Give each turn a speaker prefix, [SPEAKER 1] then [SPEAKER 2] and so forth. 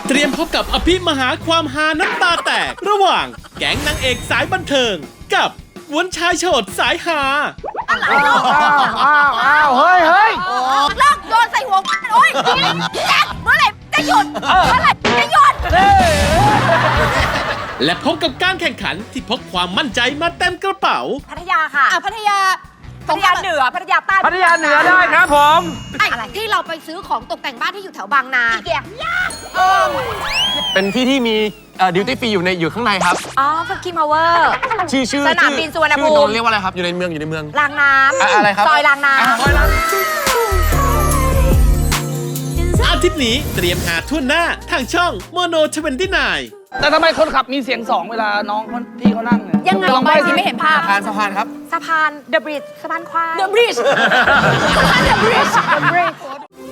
[SPEAKER 1] เตรียมพบกับอภิมหาความฮาน้ำตาแตกระหว่างแก๊งนางเอกสายบันเทิงกับกวนชายโฉดสายฮา
[SPEAKER 2] อ้าวเฮ้ยเลิกโยนใส่หัวโอ๊ยแจ็คเมื่อไหร่จะหยุดเมื่อไหร่จะหยุด
[SPEAKER 1] และพบกับการแข่งขันที่พกความมั่นใจมาเต็มกระเป๋า
[SPEAKER 2] พัทยาค่ะพัทยาเหนือพัทยาใต้
[SPEAKER 3] พัทยาเหนือได้ครับผม
[SPEAKER 2] อะไรที่เราไปซื้อของตกแต่งบ้านที่อยู่แถวบางนาอีเกีย
[SPEAKER 4] เป็นที่ที่มีดิวตี้ฟรีอยู่ข้างในครับ
[SPEAKER 2] อ๋อฟักกิ้งพาวเวอร์
[SPEAKER 4] ชื่อ
[SPEAKER 2] สนามบินสุวรรณภูมิ
[SPEAKER 4] ชื่อโดนเรียกว่าอะไรครับอยู่ในเมือง
[SPEAKER 2] รางน้ำ
[SPEAKER 4] อะไรครับ
[SPEAKER 2] ซอยรางน้ำ
[SPEAKER 1] อาทิตย์นี้เตรียมหาทั่วหน้าทางช่องโมโน29
[SPEAKER 3] แต่ทำไมคนขับมีเสียงสองเวลาน้องพี่เขานั่งเนี่ย
[SPEAKER 2] ยังไง
[SPEAKER 3] ลอง
[SPEAKER 2] ไป
[SPEAKER 3] ใบ้
[SPEAKER 2] สิ
[SPEAKER 3] สิ
[SPEAKER 2] ไม่เห็นภาพ
[SPEAKER 4] สะพานครับ
[SPEAKER 2] สะพาน The Bridge สะพานควาย The Bridge สะพาน The Bridge